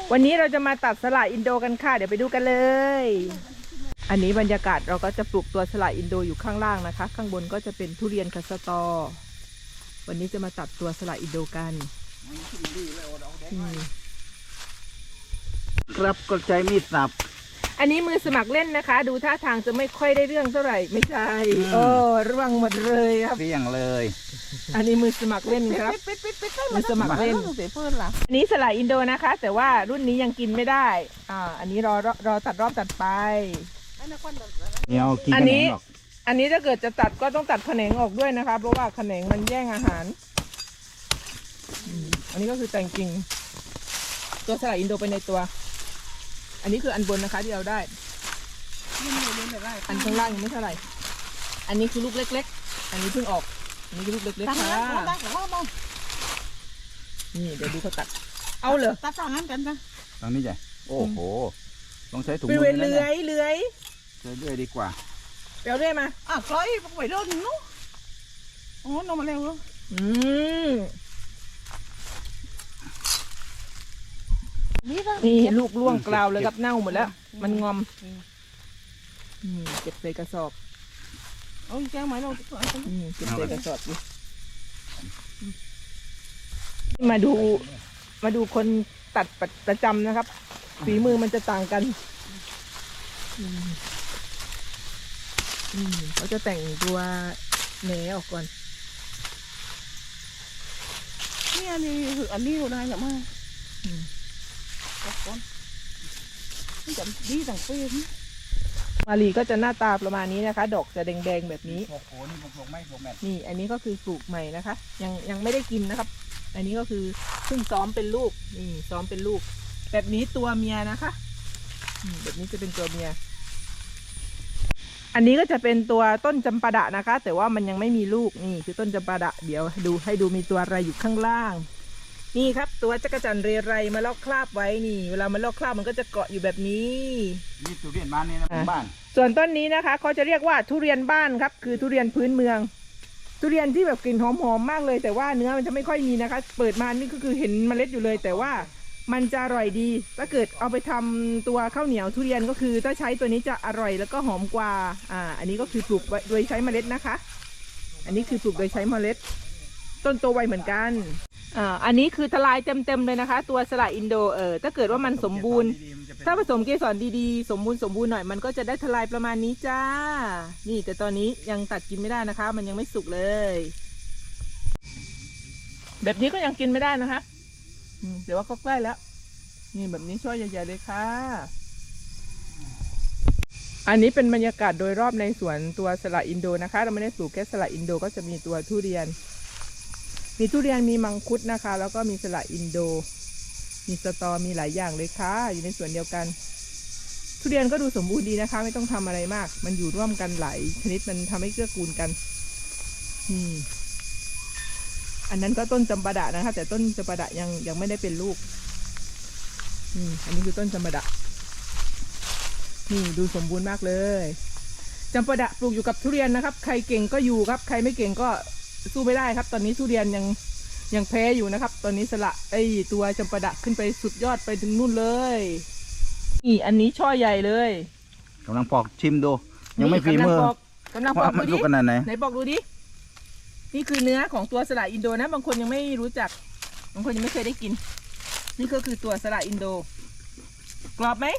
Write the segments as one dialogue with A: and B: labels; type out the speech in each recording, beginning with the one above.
A: วันนี้เราจะมาตัดสละอินโดกันค่ะเดี๋ยวไปดูกันเลยอันนี้บรรยากาศเราก็จะปลูกตัวสละอินโดอยู่ข้างล่างนะคะข้างบนก็จะเป็นทุเรียนคัสตอวันนี้จะมาตัดตัวสละอินโดกัน
B: ครับกดใจมีดสับ
A: อันนี้มือสมัครเล่นนะคะดูท่าทางจะไม่ค่อยได้เรื่องเท่าไหร่ไม่ใช่ร่วงหมดเลยครับ
B: เปี้ยงเลย
A: อันนี้มือสมัครเล่นครับมือสมัครเล่นอันนี้สละอินโดนะคะแต่ว่ารุ่นนี้ยังกินไม่ได้อันนี้รอตัดรอบตัดไป
B: อัน
A: นี้ถ้าเกิดจะตัดก็ต้องตัดแขนงออกด้วยนะคะเพราะว่าแขนงมันแย่งอาหารอันนี้ก็คือแต่งกิ่งตัวสละอินโดไปในตัวอันนี้คืออันบนนะคะที่เราได้อันข้างล่างยังไม่เท่าไหร่อันนี้คือลูกเล็กๆอันนี้เพิ่งออกอันนี้คือลูกเล็กๆค่ะนี่เดี๋ยวดูเขาตัดเอาเหรอ
C: ตัดทางนั้นกันนะ
B: ทางนี้ใหญ่โอ้โหต้องใช้ถุง
A: มือเลื้อย
B: เลื่อยดีกว่า
A: เปลวเรื่อยมา
C: คล้อยไปโดนนู้อ๋อนมมาเร็ว
A: นี่ลูกล่วงกราวเลยครับเน่าหมดแล้วมันงอมเก็บใส่กระสอบ
C: เอาแก้วไหมเรา
A: เก็บใส่กระสอบดิมาดูคนตัดประจำนะครับฝีมือมันจะต่างกันเขาจะแต่งตัวแหนออกก่อน
C: นี่อันนี้คืออันนี้เราได้หรือไม่
A: มาลีก็จะหน้าตาประมาณนี้นะคะดอกจะแดงๆแบบนี้นี่อันนี้ก็คือปลูกใหม่นะคะยังไม่ได้กินนะครับอันนี้ก็คือเพิ่งซ้อมเป็นลูกนี่ซ้อมเป็นลูกแบบนี้ตัวเมียนะคะแบบนี้จะเป็นตัวเมียอันนี้ก็จะเป็นตัวต้นจำปาดะนะคะแต่ว่ามันยังไม่มีลูกนี่คือต้นจำปาดะเดี๋ยวให้ดูมีตัวอะไรอยู่ข้างล่างนี่ครับตัวจักรจันทร์เรไรมาลอกคราบไว้นี่เวลามันลอกคราบมันก็จะเกาะอยู่แบบนี้
B: นี่ทุเรียนบ้านนี่นะบ้าน
A: ส่วนต้นนี้นะคะเขาจะเรียกว่าทุเรียนบ้านครับคือทุเรียนพื้นเมืองทุเรียนที่แบบกลิ่นหอมๆมากเลยแต่ว่าเนื้อมันจะไม่ค่อยมีนะคะเปิดมานี่ก็คือเห็นเมล็ดอยู่เลยแต่ว่ามันจะอร่อยดีถ้าเกิดเอาไปทำตัวข้าวเหนียวทุเรียนก็คือถ้าใช้ตัวนี้จะอร่อยแล้วก็หอมกว่าอันนี้ก็คือปลูกโดยใช้เมล็ดนะคะอันนี้คือปลูกโดยใช้เมล็ดต้นโตไวเหมือนกันอันนี้คือทลายเต็มเลยนะคะตัวสละอินโดถ้าเกิดว่ามันสมบูรณ์ถ้าผสมเกสรดีๆสมบูรณ์หน่อยมันก็จะได้ทลายประมาณนี้จ้านี่แต่ตอนนี้ยังตัดกินไม่ได้นะคะมันยังไม่สุกเลยแบบนี้ก็ยังกินไม่ได้นะคะเดี๋ยวว่าก็ใกล้แล้วนี่แบบนี้ช่วยใหญ่ๆเลยค่ะอันนี้เป็นบรรยากาศโดยรอบในสวนตัวสละอินโดนะคะเราไม่ได้ปลูกแค่สละอินโดก็จะมีตัวทุเรียนมีมังคุดนะคะแล้วก็มีสละอินโดมีสตอมีหลายอย่างเลยค่ะอยู่ในสวนเดียวกันทุเรียนก็ดูสมบูรณ์ดีนะคะไม่ต้องทำอะไรมากมันอยู่ร่วมกันหลายชนิดมันทำให้เกื้อกูลกันอันนั้นก็ต้นจำปาดะนะคะแต่ต้นจำปาดะยังไม่ได้เป็นลูกอันนี้คือต้นจำปาดะนี่ดูสมบูรณ์มากเลยจำปาดะปลูกอยู่กับทุเรียนนะครับใครเก่งก็อยู่ครับใครไม่เก่งก็สู้ไม่ได้ครับตอนนี้ทุเรียนยังแพ้อยู่นะครับตอนนี้สละตัวจำปาดะขึ้นไปสุดยอดไปถึงนู่นเลยนี่อันนี้ช่อใหญ่เลย
B: กำลังปอกชิมดูยังไม่ฝีมือก
A: ำลังปอก
B: ดูดิขนาดไหน
A: ปอกดูดินี่คือเนื้อของตัวสละอินโดนะบางคนยังไม่รู้จักบางคนยังไม่เคยได้กินนี่ก็คือตัวสละอินโดกรอบไหม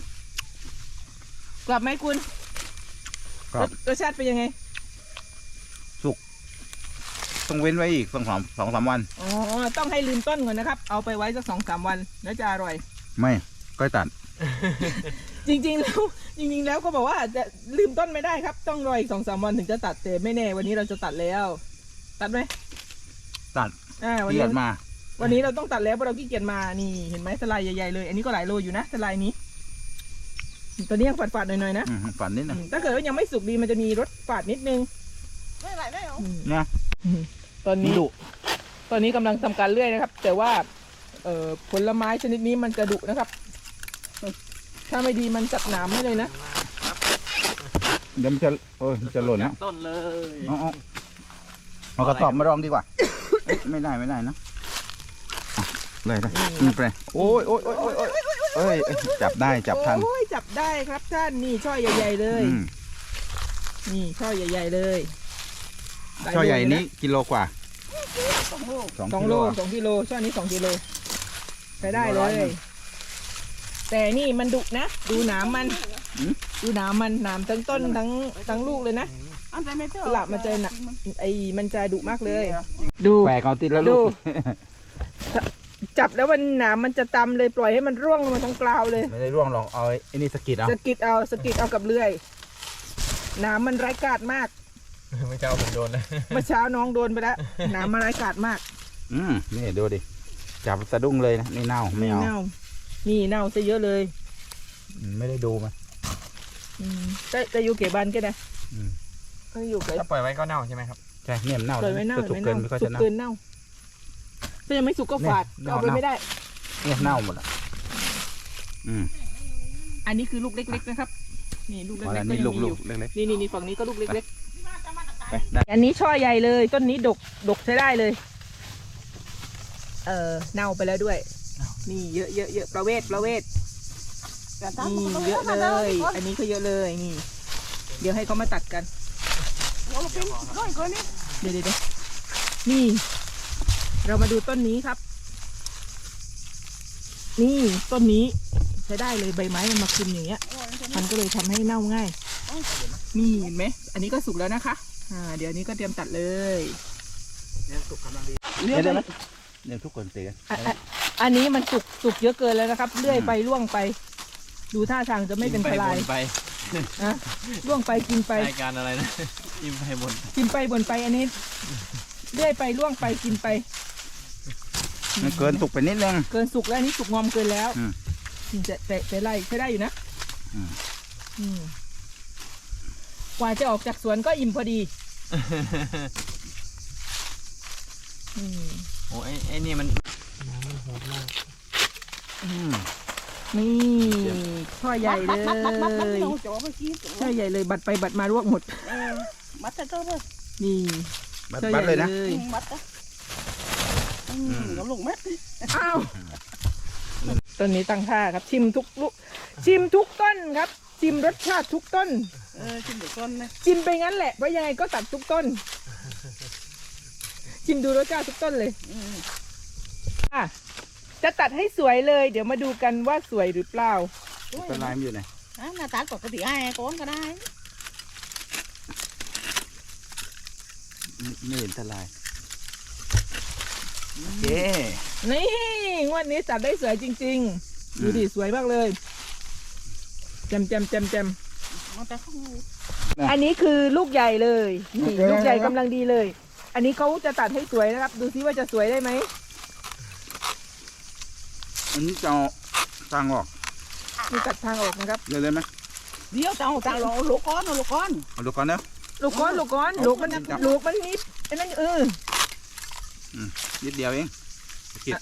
A: คุณรสชาติเป็นยังไง
B: สุกต้องเว้นไว้อีก2-3 วัน
A: ต้องให้ลืมต้นก่อนนะครับเอาไปไว้สัก2-3 วันแล้วจะอร่อย
B: ไม่ก็ตัด
A: จริงๆแล้วก็บอกว่าจะลืมต้นไม่ได้ครับต้องรออีก2-3 วันถึงจะตัดแต่ไม่แน่วันนี้เราจะตัดแล้วตัดไหม
B: ตัดขี้เกียจมา
A: วันนี้เราต้องตัดแล้วเพราะเราขี้เกียจมานี่เห็นไหมสไลด์ใหญ่ๆเลยอันนี้ก็หลายโลอยู่นะสไลด์นี้ตัวนี้ยังฝาดๆหน่อยๆนะ
B: ฝาดนิดนะ
A: ถ้าเกิดว่ายังไม่สุกดีมันจะมีรสฝาดนิดนึง
C: ไม่ไหลได้หรอ
B: นะ
A: ตอนนี้กำลังทำการเลื่อยนะครับแต่ว่าผลไม้ชนิดนี้มันจะดุนะครับถ้าไม่ดีมันจัดหนามให้เลยนะ
B: เดี๋ยวมันจะหล่นนะ
A: ต้นเลย
B: เอากระสอบมาลองดีกว่าไม่ได้นะเลยนะ
A: นี่
B: ไปโอ้ยโอ้ยโอ้ยโอ้ยโอ้ยเอ้ยจับได้จับทัน
A: โอ้ยจับได้ครับท่านนี่ช่อใหญ่ๆเลย
B: อืม
A: นี่ช่อใหญ่ๆเลยลาย
B: ช่อใหญ่
A: โลเลยะ
B: นี้กิโลกว่า
C: 2 โล
A: 2 โล 2 กิโลช่อนี้2 กิโลใช้ได้เล
B: 100
A: ย แต่นี่มันดุนะ ดูหนามมัน
B: อืม
A: ดูหนามมันหนามทั้งต้นทั้งลูกเลยนะ
C: อันไหนไม่เจอ
A: สลับมาเจอน่ะ มันจะดุมากเลย ดู
B: แหวกเอาติดแล้ว
A: ดู
B: ลูก
A: จับแล้วมันหนามมันจะตำเลยปล่อยให้มันร่วงลงมาทั้งกลาวเลย
B: ไม่ได้ร่วงหรอกเอาไอ้นี่สะกิดเอา
A: สะกิดเอากับเลื่อยหนามมันร้ายกาจมาก
D: ไม่เจ้าผมโดนนะ
A: เมื่อเช้าน้องโดนไปแล้วหนามมันร้ายกาจมาก
B: นี่ดูดิจับสะดุ้งเลยนะนี่เน่าไม่เอา
A: เน่านี่เน่าซะเยอะเลย
B: ไม่ได้ดูมัน
A: จะอยู่เก็บบันกันนะ
B: อืม
A: ก็อยู่เก็บ
D: ถ้าปล่อยไว้ก็เน่าใช่ไหมครับ
B: ใช่เนี่ยมันเน่า
A: ปล่อยไว้เน่า
B: จะสุกเกินไม่ค่อย
A: สุ
B: จะ
A: ก
B: เน่า
A: เกินเน่าถ้ายังไม่สุกก็ฝาด
B: เนี่ย
A: เอาไป
B: เน่า
A: ไม่ได้
B: เนี่ยเน่าหมดอ่ะอืม
A: อันนี้คือลูกเล็กๆนะครับ นี่ลูกเล็ก
B: อ๋อ
A: ๆ
B: อัน
A: ก็
B: นี้
A: ยัง
B: ลูก
A: มี
B: ลู
A: อก ยู่
B: เล็ก
A: นี่ฝั่งนี้ก็ลูกเล็ก
B: ๆไปได้
A: ๆอันนี้ช่อใหญ่เลยต้นนี้ดกใช้ได้เลย เน่าไปแล้วด้วย นี่เยอะประเวทนี่เยอะเลย อันนี้ก็เยอะเลยนี่ เดี๋ยวให้เขามาตัดกัน
C: โอ้เป็นร้อยคนนี่
A: เดี๋ยวนี่ เรามาดูต้นนี้ครับ นี่ต้นนี้ใช้ได้เลยใบไม้มันมาคลุมอย่างเงี้ย มันก็เลยทำให้เน่าง่าย นี่เห็นไหมอันนี้ก็สุกแล้วนะคะ เดี๋ยวนี้ก็เตรียมตัดเลย
B: เนี่ยสุกกำลังดี
A: เลื่อยไป
B: เนี่ยทุกคนเตะ
A: อันนี้มันสุกเยอะเกินแล้วนะครับ เลื่อยไปล่วงไป ดูท่าทางจะไม่เป็นทลาย
D: ไป
A: นะล่วงไปกินไป
D: รายการอะไรนะ อิ่มไปบน
A: กินไปบ่นไปอันนี้เลื่อยไปล่วงไปกินไป
B: มันเกินสุกไปนิดนึง
A: เกินสุกแล้วอันนี้สุกงอมเกินแล้ว
B: อืม
A: แต่ไล่ใช้ได้อยู่นะ
B: อืม
A: อืมกว่าจะออกจากสวนก็อิ่มพอดีอืม
D: โอ้ไอ้นี่มัน
A: นี่ช่อใหญ่เลย
C: มัดลงจ่อเมื่อกี้
A: ช่อใหญ่เลยบัดไปบัดมารวบหมด
C: มัดแต่ก็เลย
A: นี่
B: บัด
A: ช่อ
B: บัด
A: ใหญ่
B: เลยนะ
C: มัดอ่ะน้ำลงเม็ด
A: อ้าวต้นนี้ตั้งท่าครับ ชิมทุกลูกชิมทุกต้นครับ ชิมรสชาติทุกต้น
C: ชิมเดี๋ยวก่อนนะ
A: ชิมไปงั้นแหละเพราะยังไงก็ตัดทุกต้น ชิมดูรสชาติทุกต้นเลยอ่ะจะตัดให้สวยเลย เดี๋ยวมาดูกันว่าสวยหรือเปล่า
B: เป็นลายมันอยู่ไหน
C: หน้าตาปกติไอ้ก้อนก็ได้
B: ไม่เห็นตะลายโอเค
A: นี่งวดนี้จัดได้สวยจริงๆ ดูดิสวยมากเลยแจม
C: มันแต่ข้าง
A: อันนี้คือลูกใหญ่เลยนี่ลูกใหญ่กำลังดีเลย อันนี้เขาจะตัดให้สวยนะครับ ดูซิว่าจะสวยได้ไหม
B: อันนี้จะเอาสร้างออก
A: มีตัดทางออกนะครับ
B: เลยไหม
C: เดี๋ยวจะเอาตาลงลูกก้อนเอาลูกก้อน
B: เอาดูก่อนนะ
A: ลูกก้อนลูกมันนิดไอ้นั่น
B: นิดเดียวเองสะกิด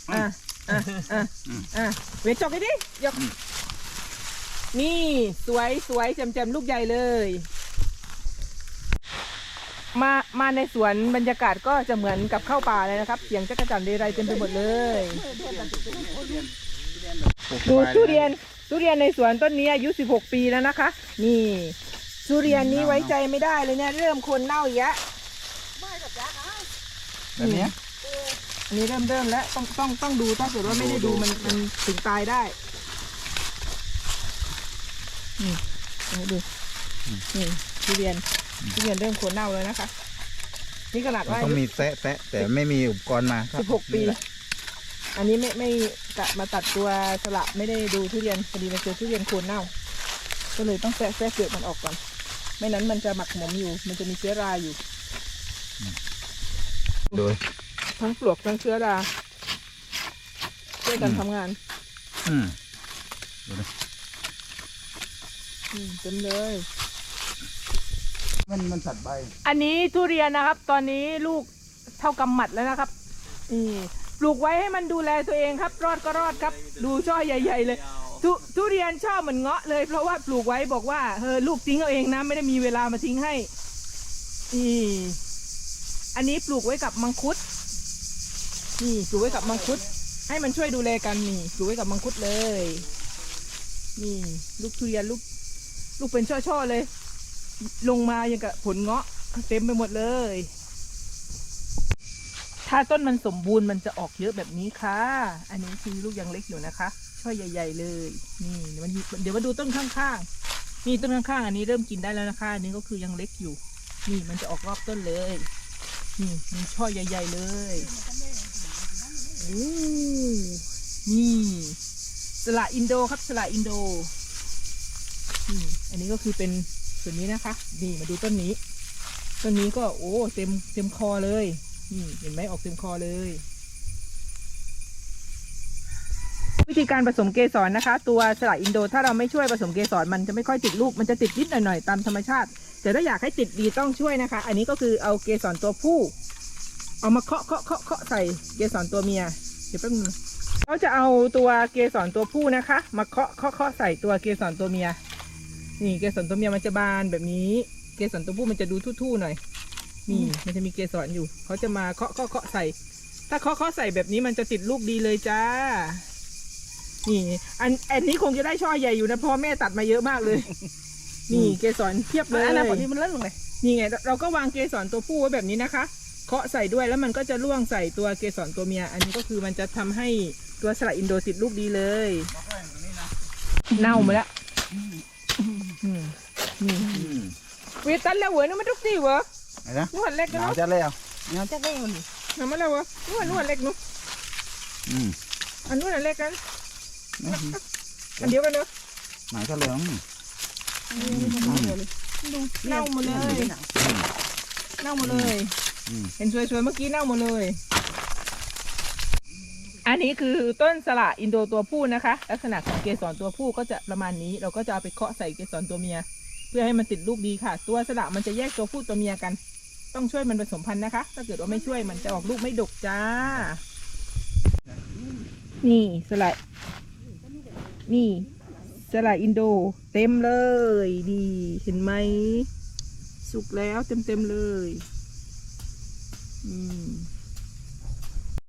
A: เวทจอกให้ดิยกนี่สวยแจ่มลูกใหญ่เลย มาในสวนบรรยากาศก็จะเหมือนกับเข้าป่าเลยนะครับ เสียงจักรจั่นเรไรเต็มไปหมดเลยดูทุเรียนในสวนต้นนี้อายุ16 ปีแล้วนะคะ นี่ทุเรียนนี้ไว้ใจไม่ได้เลยเนี่ยเริ่มคนเน่าอีกแล้ว
B: แบบนี้
A: อันนี้เริ่มแล้วต้องดูถ้าเกิดว่าไม่ได้ดูมันถึงตายได้นี่ดูนี่ทุเรียนเริ่มโคนเน่าแล้วนะคะนี่ขนาด
B: มัน
A: ว่า
B: ต้องมีแซะแต่ไม่มีอุปกรณ์มาครับ
A: 16 ปี อันนี้ไม่กะมาตัดตัวสละไม่ได้ดูทุเรียนพอดีมาเจอทุเรียนโคนเน่า ก็เลยต้องแซะเปลือกมันออกก่อนไม่นั้นมันจะหมักหมมอยู่ มันจะมีเชื้อราอยู่
B: โดย
A: ทั้งปลวกทั้งเชื้อราช่วยกันทำงาน
B: อืม
A: เต็มเลย
B: มันสัตว์ใบ
A: อันนี้ทุเรียนนะครับ ตอนนี้ลูกเท่ากำหมัดแล้วนะครับนี่ปลูกไว้ให้มันดูแลตัวเองครับ รอดก็รอดครับ ดูช่อใหญ่ๆเลยทุเรียนชอบเหมือนเงาะเลย เพราะว่าปลูกไว้บอกว่าลูกทิ้งเอาเองนะไม่ได้มีเวลามาทิ้งให้อันนี้ปลูกไว้กับมังคุดนี่ปลูกไว้กับมังคุดให้มันช่วยดูแลกันนี่ปลูกไว้กับมังคุดเลย นี่ลูกทุเรียนลูกเป็นช่อๆเลย ลงมาอย่างกับผลเงาะเต็มไปหมดเลย ถ้าต้นมันสมบูรณ์มันจะออกเยอะแบบนี้ค่ะ อันนี้คือลูกยังเล็กอยู่นะคะช่อใหญ่ๆเลยนี่เดี๋ยวมาดูต้นข้างๆนี่ต้นข้างๆอันนี้เริ่มกินได้แล้วนะคะอันนี้ก็คือยังเล็กอยู่นี่มันจะออกรอบต้นเลยนี่มีช่อใหญ่ๆเลยโอ้นี่สละอินโดครับสละอินโดอันนี้ก็คือเป็นส่วนนี้นะคะนี่มาดูต้นนี้ก็โอ้เต็มคอเลยนี่เห็นไหมออกเต็มคอเลยวิธีการผสมเกสรนะคะ ตัวสละอินโดถ้าเราไม่ช่วยผสมเกสรมันจะไม่ค่อยติดลูกมันจะติดนิดหน่อยๆตามธรรมชาติแต่ถ้าอยากให้ติดดีต้องช่วยนะคะ อันนี้ก็คือเอาเกสรตัวผู้เอามาเคาะใส่เกสรตัวเมียเดี๋ยวแป๊บนึงเราจะเอาตัวเกสรตัวผู้นะคะมาเคาะใส่ตัวเกสรตัวเมียนี่เกสรตัวเมียมันจะบานแบบนี้เกสรตัวผู้มันจะดูทู่ๆหน่อยนี่มันจะมีเกสรอยู่เขาจะมาเคาะใส่ถ้าเคาะใส่แบบนี้มันจะติดลูกดีเลยจ้านี่อันนี้คงจะได้ช่อใหญ่อยู่นะเพราะแม่ตัดมาเยอะมากเลยนี่เกสรเทียบเลย
C: อันนั้นผลที่มันเลื่อนลงเลย
A: นี่ไงเราก็วางเกสรตัวผู้ไว้แบบนี้นะคะเคาะใส่ด้วยแล้วมันก็จะล่วงใส่ตัวเกสรตัวเมียอันนี้ก็คือมันจะทำให้ตัวสละอินโดติดลูกดีเลยเน่ามาแล้วนี่เวตันแล้วเหรอนี่มันทุกทีเหรอ
B: ไอ้นะ
A: นวดเล็ก
B: หนาว
A: เนาะ
B: จัดเลยอ่ะ
C: เงาจะได้คน
A: ทำมาแล้ววะนวดเล็กเนาะ อันนู้นอันเล็กกันอันเดียวกันเนาะ
B: หนาวจัดเลย
A: เน่าหมดเลยเน่าหมดเลย เห็นสวยๆเมื่อกี้เน่าหมดเลย อันนี้คือต้นสละอินโดตัวผู้นะคะ ลักษณะของเกสรตัวผู้ก็จะประมาณนี้เราก็จะเอาไปเคาะใส่เกสรตัวเมีย เพื่อให้มันติดลูกดีค่ะ ตัวสละมันจะแยกตัวผู้ตัวเมียกัน ต้องช่วยมันผสมพันธุ์นะคะ ถ้าเกิดว่าไม่ช่วยมันจะออกลูกไม่ดกจ้า นี่สละนี่สละอินโดเต็มเลยดีเห็นไหมสุกแล้วเต็มเลย